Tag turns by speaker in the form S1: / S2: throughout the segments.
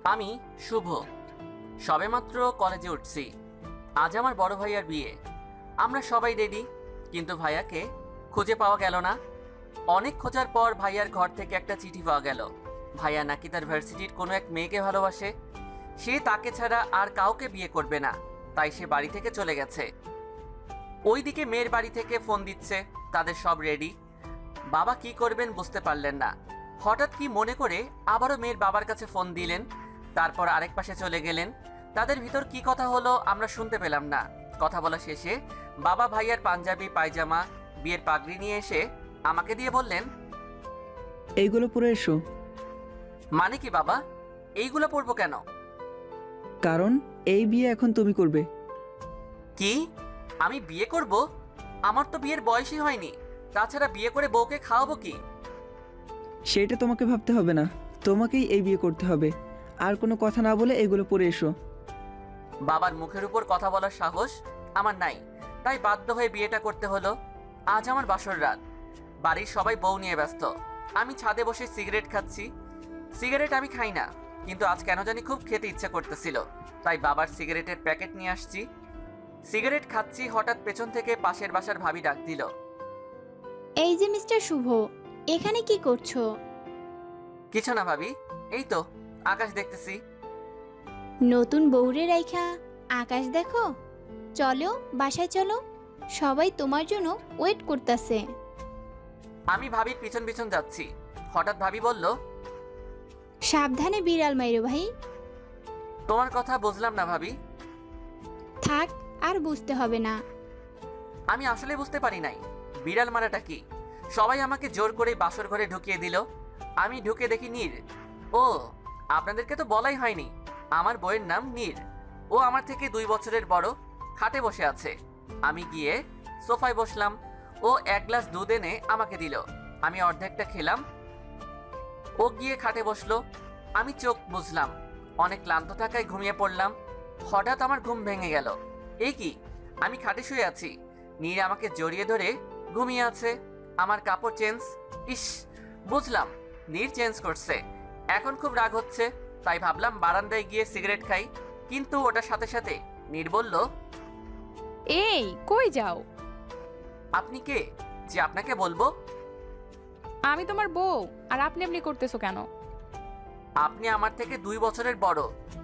S1: আমি শুভ, সবেমাত্র কলেজে উঠছি। আজ আমার বড় ভাইয়ার বিয়ে। আমরা সবাই রেডি, কিন্তু ভাইয়াকে খুঁজে পাওয়া গেল না। অনেক খোঁজার পর ভাইয়ার ঘর থেকে একটা চিঠি পাওয়া গেল। ভাইয়া নাকি তার ভার্সিটির কোনো এক মেয়েকে ভালোবাসে, সে তাকে ছাড়া আর কাউকে বিয়ে করবে না, তাই সে বাড়ি থেকে চলে গেছে। ওইদিকে মেয়ের বাড়ি থেকে ফোন দিচ্ছে, তাদের সব রেডি। বাবা কি করবেন বুঝতে পারলেন না। হঠাৎ কি মনে করে আবারও মেয়ের বাবার কাছে ফোন দিলেন, তারপর আরেক পাশে চলে গেলেন। তাদের ভিতর কি কথা হলো আমরা শুনতে পেলাম না। কথা বলা শেষে বাবা ভাইয়ার পাঞ্জাবি পায়জামা বিয়ের পাগড়ি নিয়ে এসে আমাকে দিয়ে বললেন,
S2: এইগুলো পরে এসো।
S1: মানে কি বাবা, এইগুলো পরবো কেন?
S2: কারণ এই বিয়ে এখন তুমি করবে।
S1: কি, আমি বিয়ে করব? আমার তো বিয়ের বয়সই হয়নি। তাছাড়া বিয়ে করে বউকে খাওয়াবো কি?
S2: সেটা তোমাকে ভাবতে হবে না, তোমাকেই এই বিয়ে করতে হবে। আর কোনো কথা না বলে এগুলো পরে এসো।
S1: বাবার মুখের উপর কথা বলার সাহস আমার নাই, তাই বাধ্য হয়ে বিয়েটা করতে হলো। আজ আমার বাসর রাত, বাড়ির সবাই বউ নিয়ে ব্যস্ত। আমি ছাদে বসে সিগারেট খাচ্ছি। সিগারেট আমি খাই না, কিন্তু আজ কেন জানি খুব খেতে ইচ্ছে করতেছিল, তাই বাবার সিগারেটের প্যাকেট নিয়ে আসছি। সিগারেট খাচ্ছি, হঠাৎ পেছন থেকে পাশের বাসার ভাবি ডাক দিল,
S3: এই যে মিস্টার শুভ, এখানে কি করছো?
S1: কিছু না ভাবি, এই তো আকাশ দেখতেছি।
S3: নতুন বউরে রাইখা আকাশ দেখো? চলো বাসায় চলো, সবাই তোমার জন্য ওয়েট করতেছে।
S1: আমি ভাবির পিছন পিছন যাচ্ছি, হঠাৎ ভাবি বলল,
S3: সাবধানে বিড়াল মাইরো ভাই।
S1: তোমার কথা বুঝলাম না ভাবি।
S3: থাক, আর বুঝতে হবে না।
S1: আমি আসলে বুঝতে পারি নাই বিড়াল মারাটা কি। সবাই আমাকে জোর করে বাসর ঘরে ঢুকিয়ে দিল। আমি ঢুকে দেখি নীর। ও, আপনাদেরকে তো বলাই হয়নি, আমার বইয়ের নাম নীর। ও আমার থেকে 2 বছরের বড়, খাটে বসে আছে। আমি গিয়ে সোফায় বসলাম। ও 1 গ্লাস দুধ এনে আমাকে দিল, আমি অর্ধেকটা খেলাম। ও গিয়ে খাটে বসলো। আমি চোখ বুঝলাম, অনেক ক্লান্ত থাকায় ঘুমিয়ে পড়লাম। হঠাৎ আমার ঘুম ভেঙে গেল। এই কি, আমি খাটে শুয়ে আছি, নীর আমাকে জড়িয়ে ধরে ঘুমিয়ে আছে। আমার কাপড় চেঞ্জ। ইস, বুঝলাম নীর চেঞ্জ করছে। এখন খুব রাগ হচ্ছে, তাই ভাবলাম বারান্দায় গিয়ে সিগারেট খাই, কিন্তু ওটার সাথে সাথে নীর বলল,
S4: এই কই যাও?
S1: আপনি কে যে আপনাকে বলবো?
S4: আমি তোমার বউ, আর আপনি আপনি করতেছো কেন?
S1: আপনি আমার থেকে 2 বছরের বড়।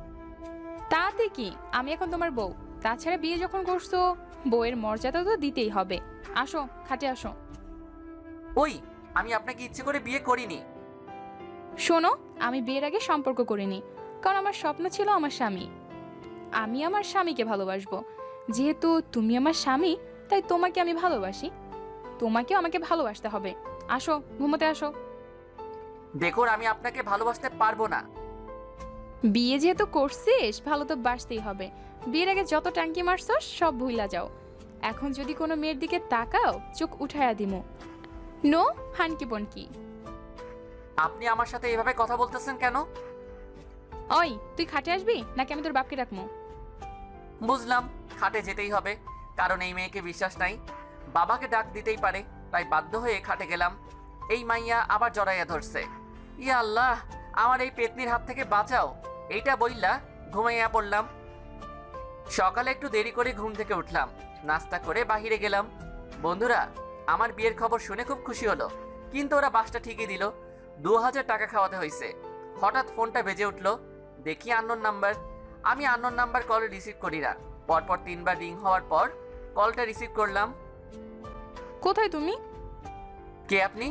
S4: তাতে কি, আমি এখন তোমার বউ। তাছাড়া বিয়ে যখন করছো, বউয়ের মর্যাদা তো দিতেই হবে। আসো, খাটে আসো।
S1: ওই, আমি আপনাকে ইচ্ছে করে বিয়ে করিনি।
S4: শোনো, আমি বিয়ের আগে সম্পর্ক করিনি, কারণ আমার স্বপ্ন ছিল আমার স্বামী। আমি আমার স্বামীকে ভালোবাসবো। যেহেতু তুমি আমার স্বামী, তাই তোমাকে আমি ভালোবাসি। তোমাকেও আমাকে ভালোবাসতে হবে। আসো, ঘুমোতে আসো।
S1: দেখুন, আমি আপনাকে ভালোবাসতে পারবো না।
S4: বিয়ে যেহেতু করছিস, ভালো তো বাসতেই হবে। বিয়ের আগে যত ট্যাঙ্কি মারছো সব ভুইলা যাও। এখন যদি কোনো মেয়ের দিকে তাকাও, চোখ উঠায়া দিমু। নো হানকি বনকি।
S1: আপনি আমার সাথে এভাবে কথা বলতেছেন কেন?
S4: ওই, তুই খাটে আসবি নাকি আমি তোর বাপকে ডাকমু?
S1: বুঝলাম, খাটে যেতেই হবে, কারণ এই মেয়েকে বিশ্বাস নাই। বাবাকে ডাক দিতেই পারে, তাই বাধ্য হয়ে খাটে গেলাম। এই মাইয়া আবার জড়াইয়া ধরছে। ইয়া আল্লাহ, আমার এই পেতনির হাত থেকে বাঁচাও, এইটা বইলা ঘুমাইয়া পড়লাম। সকালে একটু দেরি করে ঘুম থেকে উঠলাম, নাস্তা করে বাহিরে গেলাম। বন্ধুরা আমার বিয়ের খবর শুনে খুব খুশি হলো, কিন্তু ওরা বাসটা ঠিকই দিল। 2000 টাকা খাওয়াতে হয়েছে। হঠাৎ ফোনটা বেজে উঠলো, দেখি আননোন নাম্বার। আমি আননোন নাম্বার কল রিসিভ করি না। পরপর 3 বার রিং হওয়ার পর কলটা রিসিভ করলাম।
S4: কোথায় তুমি?
S1: কে আপনি?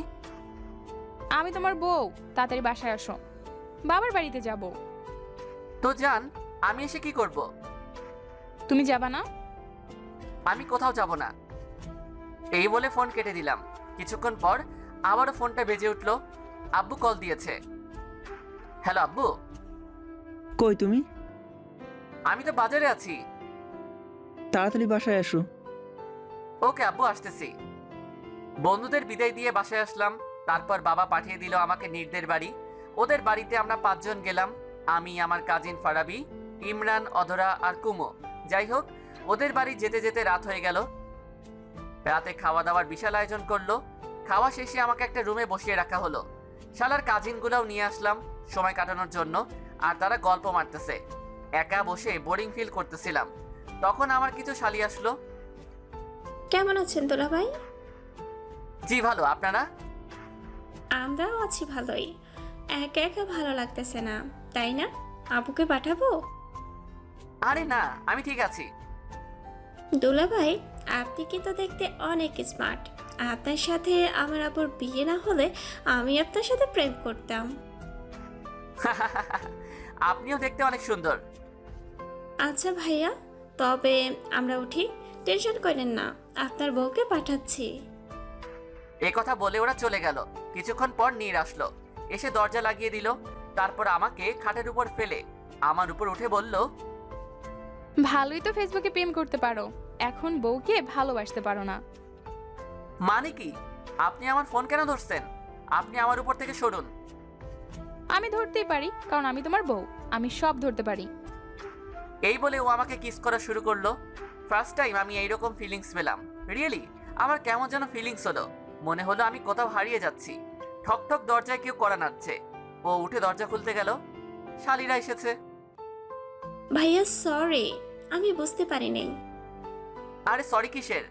S4: আমি তোমার বউ, তাড়াতাড়ি বাসায় আসো। বাবার বাড়িতে যাব।
S1: তো যান, আমি এসে কি করব?
S4: তুমি যাবা না?
S1: আমি কোথাও যাব না। এই বলে ফোন কেটে দিলাম। কিছুক্ষণ পর আবারও ফোনটা বেজে উঠলো। আব্বু কল দিয়েছে। হ্যালো আব্বু।
S2: কই তুমি?
S1: আমি তো বাজারে আছি।
S2: তাড়াতাড়ি বাসায় আসো।
S1: ওকে আব্বু, আসতেছি। বন্ধুদের বিদায় দিয়ে বাসায় আসলাম। তারপর বাবা পাঠিয়ে দিল আমাকে নীরদের বাড়ি। ওদের বাড়িতে আমরা 5 জন গেলাম, আমি, আমার কাজিন ফারাবি, ইমরান, অধরা আর কুমো। যাই হোক, ওদের বাড়ি যেতে যেতে রাত হয়ে গেল। রাতে খাওয়া দাওয়ার বিশাল আয়োজন করলো। খাওয়া শেষে আমাকে একটা রুমে বসিয়ে রাখা হলো। শালার কাজিনগুলোও নিয়ে আসলাম সময় কাটানোর জন্য। আর তারা গল্প মারতেছে। একা বসে বোরিং ফিল করতেছিলাম। তখন আমার কিছু শালি আসলো।
S5: কেমন আছেন দোলা ভাই?
S1: জি ভালো, আপনারা?
S5: আমরাও আছি ভালোই। একা একা ভালো লাগতেছে না, তাই না? আপুকে পাঠাবো?
S1: আরে না, আমি ঠিক আছি।
S5: দোলা ভাই, আপনি কিন্তু দেখতে অনেক স্মার্ট। আপনার সাথে আমার আপুর বিয়ে না হলে আমি আপনার সাথে প্রেম করতাম।
S1: আপনিও দেখতে অনেক সুন্দর।
S5: আচ্ছা ভাইয়া, তবে আমরা উঠি। টেনশন করেন না, আপনার বউকে পাঠাচ্ছি।
S1: এ কথা বলে ওরা চলে গেল। কিছুক্ষণ পর নীর আসলো, এসে দরজা লাগিয়ে দিল। তারপর আমাকে খাটের উপর ফেলে আমার উপর উঠে বলল,
S4: ভালোই তো ফেসবুকে প্রেম করতে পারো, এখন বউকে ভালোবাসতে পারো না।
S1: মানে কি? আপনি আমার ফোন কেন ধরছেন? আপনি আমার উপর থেকে সরুন।
S4: আমি ধরতেই পারি, কারণ আমি তোমার বউ, আমি সব ধরতে পারি।
S1: এই বলে ও আমাকে কিস করা শুরু করলো। ফার্স্ট টাইম আমি এইরকম ফিলিংস পেলাম। রিয়েলি আমার কেমন যেন ফিলিংস হলো। মনে হলো আমি কোথাও হারিয়ে যাচ্ছি। ঠক ঠক দরজায় কেউ কড়া নাড়ছে। ও উঠে দরজা খুলতে গেল। শালিরা এসেছে।
S5: ভাইয়া সরি, আমি বুঝতে পারিনি।
S1: আরে সরি কিসের?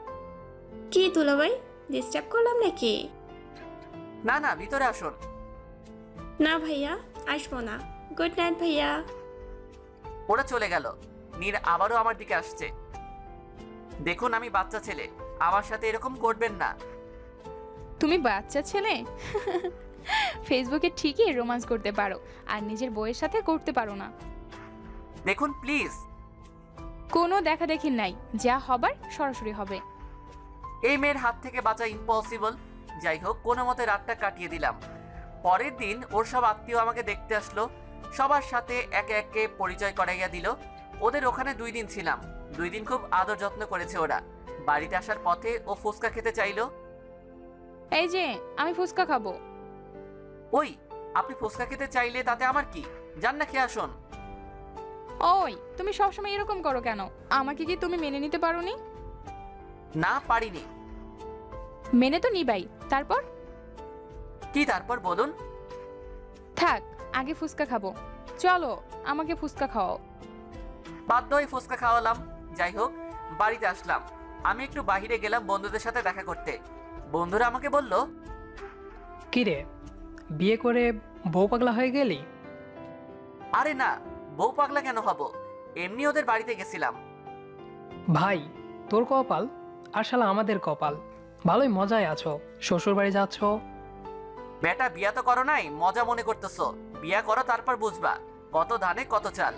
S5: কি দোলা ভাই, ডিস্টার্ব করলাম নাকি?
S1: না না, ভিতরে আসুন।
S5: না ভাইয়া, আসবো না। গুড নাইট ভাইয়া।
S1: ওরা চলে গেল। নীর আবারও আমার দিকে আসছে। দেখুন আমি বাচ্চা ছেলে, আমার সাথে এরকম করবেন না।
S4: তুমি বাচ্চা ছেলে? ফেসবুকে ঠিকই রোমান্স করতে পারো, আর নিজের বউয়ের সাথে করতে পারো না।
S1: দেখুন প্লিজ।
S4: কোনো দেখা দেখি নাই, যা হবার সরাসরি হবে।
S1: এই মেয়ের হাত থেকে বাঁচা ইম্পসিবল। যাই হোক, কোনো মতে রাতটা কাটিয়ে দিলাম। পরের দিন ওর সব আত্মীয় আমাকে দেখতে আসলো। সবার সাথে একে একে পরিচয় করাইয়া দিল। ওদের ওখানে 2 দিন ছিলাম। 2 দিন খুব আদর যত্ন করেছে ওরা। বাড়িতে আসার পথে ও ফুচকা খেতে চাইলো।
S4: এই যে, আমি ফুচকা খাবো।
S1: ওই, আপনি ফুচকা খেতে চাইলে তাতে আমার কি? যান না, খেয়ে আসুন।
S4: ওই, তুমি সবসময় এরকম করো কেন? আমাকে কি তুমি মেনে নিতে পারোনি?
S1: না, পারিনি।
S4: মেনে তো নিবাই, তারপর?
S1: কি তারপর বলুন?
S4: থাক, আগে ফুচকা খাবো। চলো, আমাকে ফুচকা খাওয়াও।
S1: বাধ্য হয়ে ফুচকা খাওয়ালাম। যাই হোক, বাড়িতে আসলাম। আমি একটু বাইরে গেলাম বন্ধুদের সাথে দেখা করতে। বন্ধুরা আমাকে বলল,
S6: কিরে, বিয়ে করে বউ পাগলা হয়ে গেলি?
S1: আরে না, বউ পাগলা কেন হব? এমনি ওদের বাড়িতে গেছিলাম।
S6: ভাই, তোর কপাল আর শালা আমাদের কপাল। ভালোই মজায় আছো, শ্বশুর বাড়ি যাচ্ছ।
S1: বেটা, বিয়া তো করো নাই, মজা মনে করতেছো। বিয়া করো, তারপর বুঝবা কত ধানে কত চাল।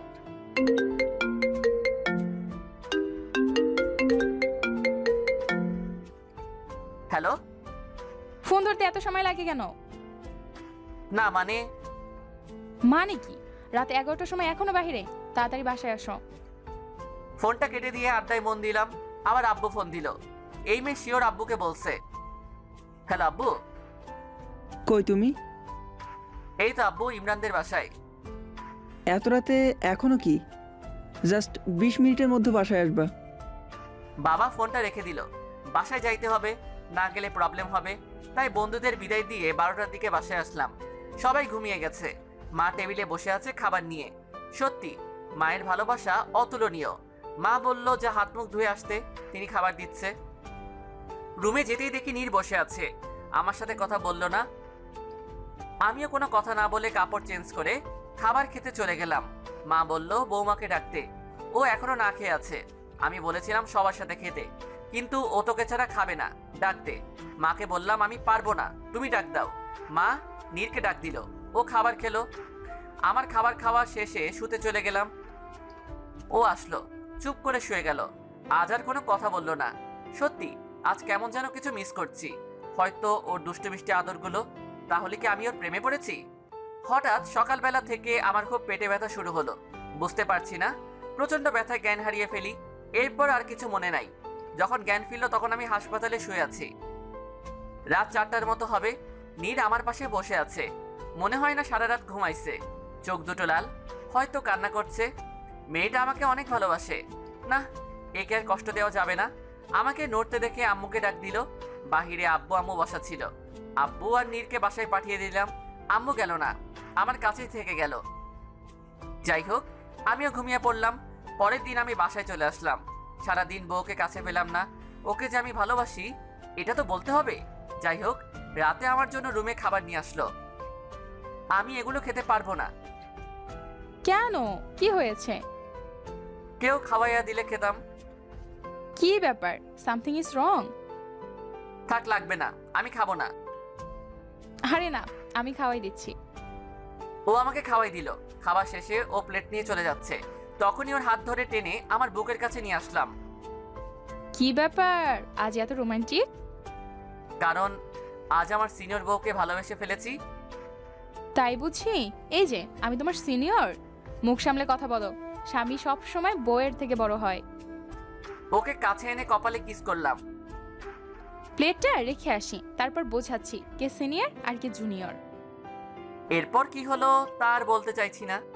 S1: হ্যালো।
S4: ফোন ধরতে এত সময় লাগে কেন?
S1: না মানে,
S4: মানে কি? রাত 11টার সময় এখনো বাহিরে? তাড়াতাড়ি বাসায় আসো।
S1: ফোনটা কেটে দিয়ে আড্ডায় মন দিলাম। আবার আব্বু ফোন দিল। এই মেয়ে শিওর আব্বুকে বলছে। হ্যালো আব্বু।
S2: কই তুমি?
S1: এই তো আব্বু, ইমরানদের বাসায়।
S2: এত রাতে এখনো কি? জাস্ট 20 মিনিটের মধ্যে বাসায় আসবা।
S1: বাবা ফোনটা রেখে দিল। বাসায় যাইতে হবে, না গেলে প্রবলেম হবে। তাই বন্ধুদের বিদায় দিয়ে 12টার দিকে বাসায় আসলাম। সবাই ঘুমিয়ে গেছে। মা টেবিলে বসে আছে খাবার নিয়ে। সত্যি মায়ের ভালোবাসা অতুলনীয়। মা বলল যে হাত মুখ ধুয়ে আসতে, তিনি খাবার দিচ্ছে। রুমে যেতেই দেখি নীর বসে আছে। আমার সাথে কথা বলল না। আমিও কোনো কথা না বলে কাপড় চেঞ্জ করে খাবার খেতে চলে গেলাম। মা বলল বৌমাকে ডাকতে, ও এখনো না খেয়ে আছে। আমি বলেছিলাম সবার সাথে খেতে, কিন্তু ও তোকে ছাড়া খাবে না, ডাকতে। মাকে বললাম আমি পারবো না, তুমি ডাক দাও। মা নীরকে ডাক দিল, ও খাবার খেলো। আমার খাবার খাওয়া শেষে শুতে চলে গেলাম। ও আসলো, চুপ করে শুয়ে গেল। আজ আর কোনো কথা বলল না। সত্যি আজ কেমন যেন কিছু মিস করছি। হয়তো ওর দুষ্টু মিষ্টি আদরগুলো। তাহলে কি আমি ওর প্রেমে পড়েছি? হঠাৎ সকালবেলা থেকে আমার খুব পেটে ব্যথা শুরু হলো। বুঝতে পারছি না, প্রচণ্ড ব্যথায় জ্ঞান হারিয়ে ফেলি। এরপর আর কিছু মনে নাই। যখন জ্ঞান ফিরল তখন আমি হাসপাতালে শুয়ে আছি। রাত 4টার মতো হবে। নীর আমার পাশে বসে আছে। মনে হয় না সারা রাত ঘুমাইছে। চোখ দুটো লাল, হয়তো কান্না করছে। মেয়েটা আমাকে অনেক ভালোবাসে। না, একে আর কষ্ট দেওয়া যাবে না। আমাকে নড়তে দেখে আম্মুকে ডাক দিল। বাহিরে আব্বু আম্মু বসা ছিল। আব্বু আর নীরকে বাসায় পাঠিয়ে দিলাম। আম্মু গেল না, আমার কাছেই থেকে গেল। যাই হোক, আমিও ঘুমিয়ে পড়লাম। পরের দিন আমি বাসায় চলে আসলাম। সারাদিন বউকে কাছে পেলাম না। ওকে যে আমি ভালোবাসি এটা তো বলতে হবে। যাই হোক, রাতে আমার জন্য রুমে খাবার নিয়ে আসলো। আমি এগুলো খেতে পারবো না।
S4: কেন, কি হয়েছে?
S1: কেউ খাওয়াইয়া দিলে খেতাম।
S4: কি ব্যাপার, সামথিং ইজ রং?
S1: থাক, লাগবে না, আমি খাবো না।
S4: আরে না, আমি খাওয়াই দিচ্ছি।
S1: ও আমাকে খাওয়াই দিল। খাবার শেষে ও প্লেট নিয়ে চলে যাচ্ছে। তখনই ওর হাত ধরে টেনে আমার বুকের কাছে নিয়ে আসলাম।
S4: কি ব্যাপার, আজ এত রোমান্টিক?
S1: কারণ আজ আমার সিনিয়র বউকে ভালোবেসে ফেলেছি।
S4: তাই বুঝি? এই যে আমি তোমার সিনিয়র, মুখ সামলে কথা বলো। স্বামী সব সময় বউয়ের থেকে বড় হয়।
S1: ওকে কাছে এনে কপালে কিস করলাম।
S4: প্লেটটা রেখে আসি, তারপর বোঝাচ্ছি কে সিনিয়র আর কে জুনিয়র।
S1: এরপর কি হলো তা আর বলতে চাইছি না।